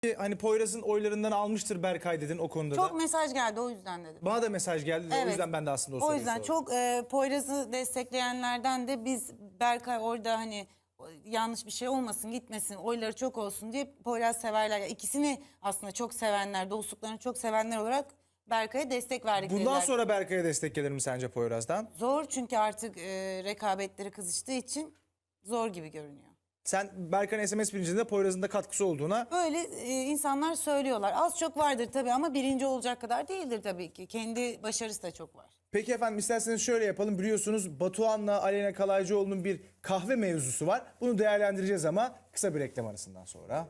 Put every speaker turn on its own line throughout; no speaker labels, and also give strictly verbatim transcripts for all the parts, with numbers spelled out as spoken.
Hani Poyraz'ın oylarından almıştır Berkay dedin o konuda
Çok
da.
mesaj geldi, o yüzden dedim.
Bana da mesaj geldi de o
Evet.
yüzden ben de aslında o,
O
soruyu
yüzden
sordum.
çok e, Poyraz'ı destekleyenlerden de biz Berkay orada hani yanlış bir şey olmasın, gitmesin, oyları çok olsun diye Poyraz severler. Yani İkisini aslında çok sevenler, dostluklarını çok sevenler olarak Berkay'a destek verdik.
Bundan
dediler.
sonra Berkay'a destek gelir mi sence Poyraz'dan?
Zor, çünkü artık e, rekabetleri kızıştığı için zor gibi görünüyor.
Sen Berkay'ın S M S birinciliğinde Poyraz'ın da katkısı olduğuna...
Böyle e, insanlar söylüyorlar. Az çok vardır tabii ama birinci olacak kadar değildir tabii ki. Kendi başarısı da çok var.
Peki efendim, isterseniz şöyle yapalım. Biliyorsunuz Batuhan'la Aleyna Kalaycıoğlu'nun bir kahve mevzusu var. Bunu değerlendireceğiz ama kısa bir reklam arasından sonra.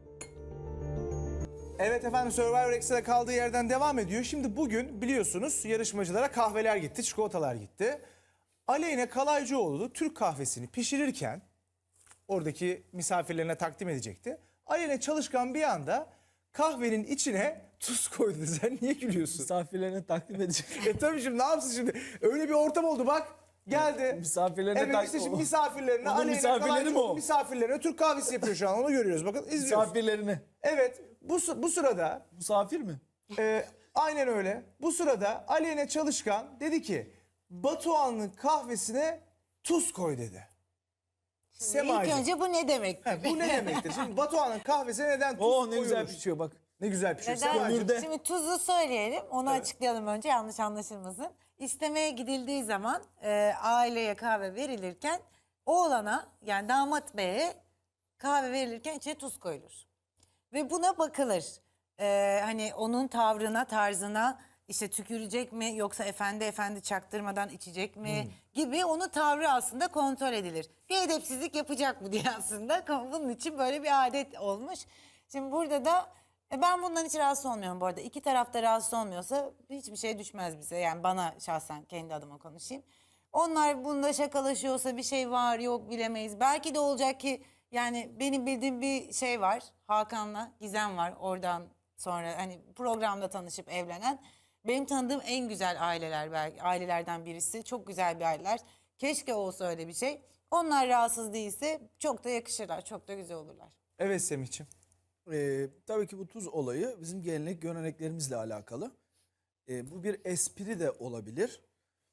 Evet efendim, Survivor Extra kaldığı yerden devam ediyor. Şimdi bugün biliyorsunuz yarışmacılara kahveler gitti, çikolatalar gitti. Aleyna Kalaycıoğlu Türk kahvesini pişirirken oradaki misafirlerine takdim edecekti. Aleyna Çalışkan bir anda kahvenin içine tuz koydu. Sen niye gülüyorsun?
Misafirlerine takdim edecek.
E tabii şimdi ne yapsın şimdi? Öyle bir ortam oldu bak. Geldi.
Misafirlerine
Evet
tak-
işte şimdi misafirlerine,
Onun
Aleyna
misafirleri mi
Kalaycıoğlu
o?
misafirlerine Türk kahvesi yapıyor şu an. Onu görüyoruz, bakın izliyoruz.
Misafirlerini.
Evet, bu, sı- bu sırada
Misafir mi?
e, aynen öyle. Bu sırada Aleyna Çalışkan dedi ki Batuhan'ın kahvesine tuz koy dedi.
İlk
Semacığım,
önce bu ne demek?
he, bu ne demektir? Şimdi Batuhan'ın kahvesine neden tuz
Oo, ne
koyulur?
güzel pişiyor bak.
Ne güzel pişiyor.
Neden?
Semacığım.
Kömürde.
Şimdi tuzu söyleyelim, onu açıklayalım önce, yanlış anlaşılmasın. İstemeye gidildiği zaman e, aileye kahve verilirken oğlana, yani damat beye kahve verilirken içine tuz koyulur. Ve buna bakılır. E, hani onun tavrına, tarzına, işte tükürecek mi yoksa efendi efendi çaktırmadan içecek mi gibi, onun tavrı aslında kontrol edilir. Bir edepsizlik yapacak mı diye aslında bunun için böyle bir adet olmuş. Şimdi burada da e, ben bundan hiç rahatsız olmuyorum bu arada. İki tarafta rahatsız olmuyorsa hiçbir şey düşmez bize. Yani bana şahsen, kendi adıma konuşayım. Onlar bunda şakalaşıyorsa bir şey var yok bilemeyiz. Belki de olacak ki, yani benim bildiğim bir şey var. Hakan'la Gizem var, oradan sonra hani programda tanışıp evlenen. Benim tanıdığım en güzel aileler, belki ailelerden birisi. Çok güzel bir aileler. Keşke olsa öyle bir şey. Onlar rahatsız değilse çok da yakışırlar, çok da güzel olurlar.
Evet Semih'ciğim.
Ee, tabii ki bu tuz olayı bizim gelenek göreneklerimizle alakalı. Ee, bu bir espri de olabilir.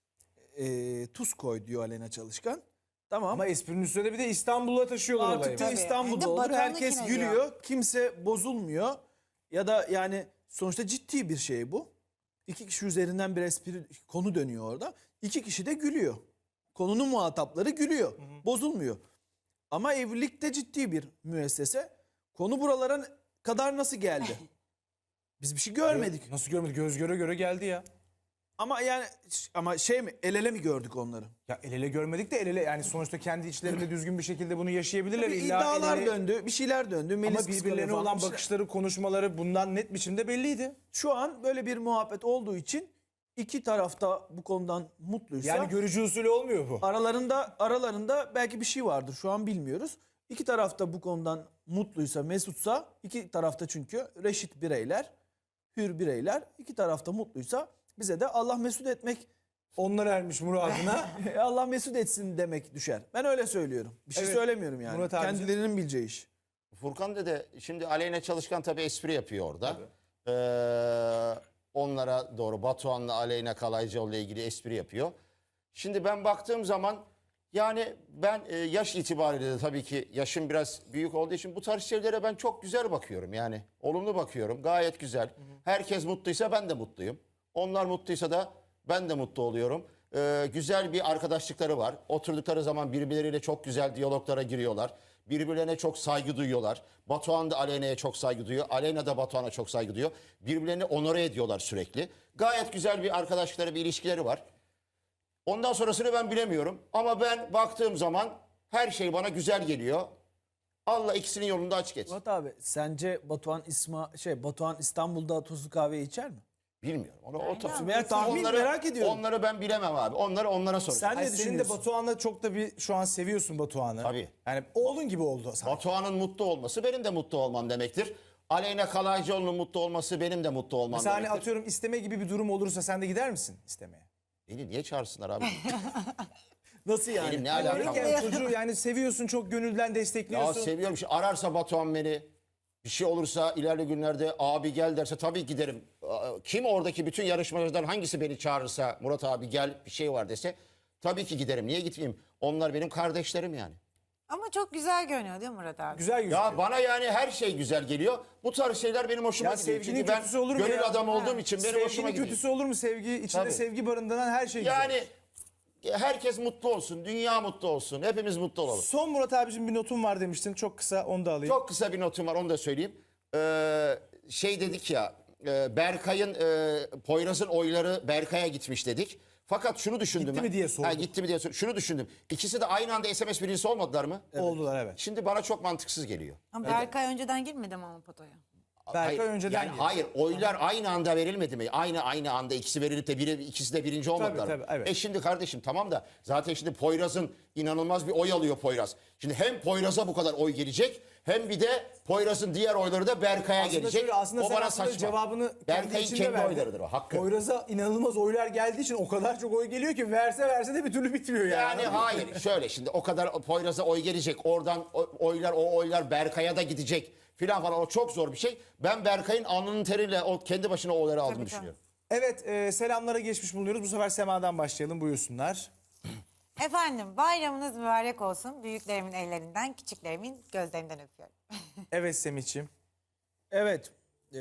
Ee, tuz koy diyor Aleyna Çalışkan. Tamam.
Ama esprinin üstüne de bir de İstanbul'a taşıyorlar olayı.
Artık da
Tabii.
İstanbul'da
Hem de
olur.
Batuhan'ı
Herkes
kim
gülüyor.
ediyor?
Kimse bozulmuyor. Ya da yani sonuçta ciddi bir şey bu. İki kişi üzerinden bir espri konu dönüyor orada. İki kişi de gülüyor. Konunun muhatapları gülüyor. Bozulmuyor. Ama evlilik de ciddi bir müessese. Konu buralara kadar nasıl geldi? Biz bir şey görmedik.
Nasıl görmedik? Göz göre göre geldi ya.
Ama yani ama şey mi, el ele mi gördük onları?
Ya el ele görmedik de el ele, yani sonuçta kendi içlerinde düzgün bir şekilde bunu yaşayabilirler.
Bir
İlla
iddialar
el ele-
döndü, bir şeyler döndü. Melis
Ama
kıskanıyor
birbirlerine
falan,
olan
bir şeyler.
bakışları, konuşmaları bundan net biçimde belliydi.
Şu an böyle bir muhabbet olduğu için iki tarafta bu konudan mutluysa
Yani görücü usulü olmuyor bu.
aralarında aralarında belki bir şey vardır. Şu an bilmiyoruz. İki tarafta bu konudan mutluysa, mesutsa, iki tarafta çünkü reşit bireyler, hür bireyler, iki tarafta mutluysa bize de Allah mesut etmek,
Onlar ermiş muradına.
Allah mesut etsin demek düşer. Ben öyle söylüyorum. Bir şey
Evet.
söylemiyorum yani.
Murat abicim.
Kendilerinin bileceği iş.
Furkan dede, şimdi Aleyna Çalışkan tabii espri yapıyor orada. Ee, onlara doğru Batuhan'la Aleyna Kalaycıoğlu ile ilgili espri yapıyor. Şimdi ben baktığım zaman, yani ben e, yaş itibariyle de tabii ki yaşım biraz büyük olduğu için bu tarz şeylere ben çok güzel bakıyorum. Yani olumlu bakıyorum, gayet güzel. Herkes mutluysa ben de mutluyum. Onlar mutluysa da ben de mutlu oluyorum. Ee, güzel bir arkadaşlıkları var. Oturdukları zaman birbirleriyle çok güzel diyaloglara giriyorlar. Birbirlerine çok saygı duyuyorlar. Batuhan da Aleyna'ya çok saygı duyuyor. Aleyna da Batuhan'a çok saygı duyuyor. Birbirlerini onore ediyorlar sürekli. Gayet güzel bir arkadaşlıkları, bir ilişkileri var. Ondan sonrasını ben bilemiyorum. Ama ben baktığım zaman her şey bana güzel geliyor. Allah ikisinin yolunu da açık etsin.
Murat abi, sence Batuhan İsma şey Batuhan İstanbul'da tuzlu kahve içer mi?
Bilmiyorum. Onu, o tabii.
Veya tahmin merak ediyorum.
Onları ben bilemem abi. Onları onlara soracağım.
Sen
Ay,
ne
senin de
düşünüyorsun?
Batuhan'la çok da bir şu an seviyorsun Batuhan'ı.
Tabii.
Yani oğlun gibi oldu sanki.
Batuhan'ın mutlu olması benim de mutlu olmam demektir. Aleyna Kalaycıoğlu'nun mutlu olması benim de mutlu olmam
Mesela hani
demektir.
atıyorum isteme gibi bir durum olursa sen de gider misin istemeye?
Beni niye çağırsınlar abi?
Nasıl yani?
Benim ne
Yani
alakam var?
yani çocuğu yani seviyorsun, çok gönülden
Ya
destekliyorsun.
seviyorum. Şimdi ararsa Batuhan beni, Bir şey olursa ilerli günlerde abi gel derse tabii giderim. Kim oradaki bütün yarışmacılardan hangisi beni çağırırsa Murat abi gel bir şey var dese tabii ki giderim. Niye gitmeyeyim? Onlar benim kardeşlerim yani.
Ama çok güzel görünüyor değil mi Murat abi?
Güzel gözüküyor.
Ya bana yani her şey güzel geliyor. Bu tarz şeyler benim hoşuma
Ya
gidiyor.
sevginin
Çünkü ben
kötüsü olur mu
gönül
ya?
adamı olduğum
Ha.
için benim
Sevginin
hoşuma gidiyor.
kötüsü olur mu? Sevgi, içinde
Tabii.
sevgi barındıran her şey güzel.
Yani herkes mutlu olsun, dünya mutlu olsun, hepimiz mutlu olalım.
Son Murat abicim bir notum var demiştin. Çok kısa onu da alayım.
Çok kısa bir notum var, onu da söyleyeyim. Ee, şey dedik ya, e, Berkay'ın, e, Poyraz'ın oyları Berkay'a gitmiş dedik. Fakat şunu düşündüm
Gitti
ben.
mi diye sordum.
Ha, gitti mi diye sordum. Şunu düşündüm. İkisi de aynı anda S M S birincisi olmadılar mı?
Oldular evet.
Şimdi bana çok mantıksız geliyor.
Ama Berkay önceden girmedi mi ama potoya?
Berkay
Hayır,
önceden
yani
girdi.
hayır, oylar aynı anda verilmedi mi? Aynı aynı anda ikisi verilip de biri, ikisi de birinci olmadılar
tabii,
mı?
evet.
E şimdi kardeşim tamam da zaten şimdi Poyraz'ın inanılmaz bir oy alıyor Poyraz. Şimdi hem Poyraz'a bu kadar oy gelecek hem bir de Poyraz'ın diğer oyları da Berkay'a
Aslında
gelecek.
şöyle, aslında
o
sen
bana
aslında
saçma.
cevabını kendi
Berkay'ın
içinde
kendi
verdin.
oylarıdır o, hakkı.
Poyraz'a inanılmaz oylar geldiği için o kadar çok oy geliyor ki verse verse de bir türlü bitmiyor yani.
Yani hayır şöyle şimdi o kadar Poyraz'a oy gelecek oradan o- oylar o oylar Berkay'a da gidecek filan falan, o çok zor bir şey. Ben Berkay'ın alnının teriyle o kendi başına o oyları aldığını
tabii.
düşünüyorum.
Evet e, selamlara geçmiş bulunuyoruz. Bu sefer Sema'dan başlayalım buyursunlar.
Efendim bayramınız mübarek olsun. Büyüklerimin ellerinden, küçüklerimin gözlerinden öpüyorum.
Evet Semih'ciğim.
Evet. eee,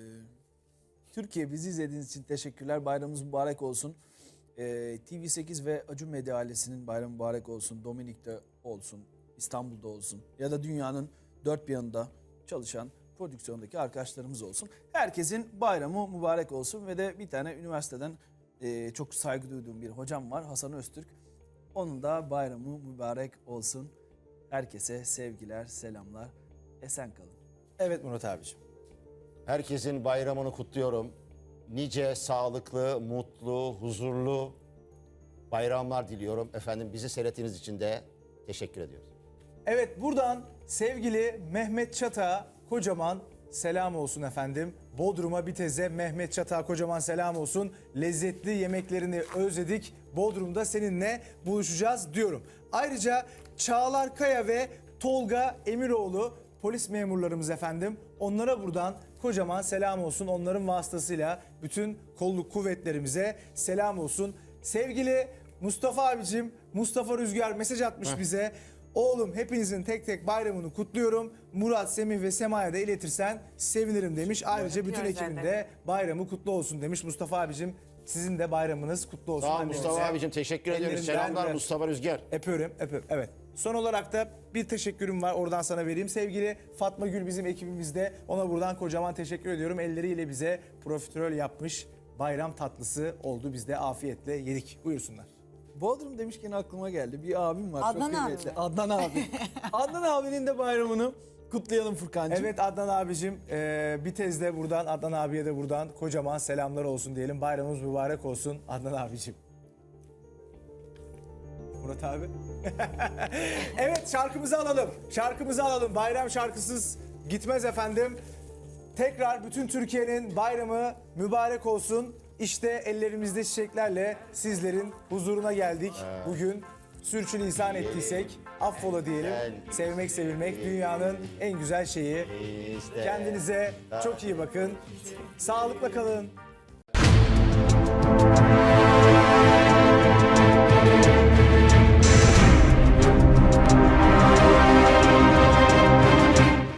Türkiye bizi izlediğiniz için teşekkürler. Bayramımız mübarek olsun. Eee, T V sekiz ve Acun Medya ailesinin bayramı mübarek olsun. Dominik'te olsun, İstanbul'da olsun ya da dünyanın dört bir yanında çalışan prodüksiyondaki arkadaşlarımız olsun. Herkesin bayramı mübarek olsun ve de bir tane üniversiteden eee, çok saygı duyduğum bir hocam var, Hasan Öztürk. Onun da bayramı mübarek olsun. Herkese sevgiler, selamlar. Esen kalın.
Evet Murat abicim.
Herkesin bayramını kutluyorum. Nice sağlıklı, mutlu, huzurlu bayramlar diliyorum. Efendim bizi seyrettiğiniz için de teşekkür ediyoruz.
Evet buradan sevgili Mehmet Çatak'a kocaman selam olsun efendim. Bodrum'a Bitez'e Mehmet Çatak'a kocaman selam olsun. Lezzetli yemeklerini özledik. Bodrum'da seninle buluşacağız diyorum. Ayrıca Çağlar Kaya ve Tolga Emiroğlu polis memurlarımız efendim. Onlara buradan kocaman selam olsun. Onların vasıtasıyla bütün kolluk kuvvetlerimize selam olsun. Sevgili Mustafa abicim, Mustafa Rüzgar mesaj atmış bize. Oğlum hepinizin tek tek bayramını kutluyorum. Murat, Semih ve Sema'ya da iletirsen sevinirim demiş. Ayrıca bütün
Öpüyoruz
ekibin
zaten.
de bayramı kutlu olsun demiş. Mustafa abicim sizin de bayramınız kutlu olsun.
Sağ ol
Annenize,
Mustafa abicim, teşekkür ediyoruz.
ellerinden
Selamlar
ver.
Mustafa Rüzgar.
Öpüyorum, öpüyorum. Evet. Son olarak da bir teşekkürüm var. Oradan sana vereyim. Sevgili Fatma Gül bizim ekibimizde. Ona buradan kocaman teşekkür ediyorum. Elleriyle bize profiterol yapmış bayram tatlısı oldu. Biz de afiyetle yedik. Buyursunlar.
Bodrum demişken aklıma geldi. Bir abim var.
Adnan
çok
abi
kıymetli.
mi?
Adnan abi. Adnan abinin de bayramını kutlayalım Furkancığım.
Evet Adnan abicim, e, Bitez'de buradan, Adnan abiye de buradan kocaman selamlar olsun diyelim. Bayramımız mübarek olsun Adnan abicim. Murat abi. Evet şarkımızı alalım. Şarkımızı alalım. Bayram şarkısız gitmez efendim. Tekrar bütün Türkiye'nin bayramı mübarek olsun. İşte ellerimizde çiçeklerle sizlerin huzuruna geldik. Bugün sürçülisan ettiysek affola diyelim. Sevmek sevilmek dünyanın en güzel şeyi. Kendinize çok iyi bakın. Sağlıkla kalın.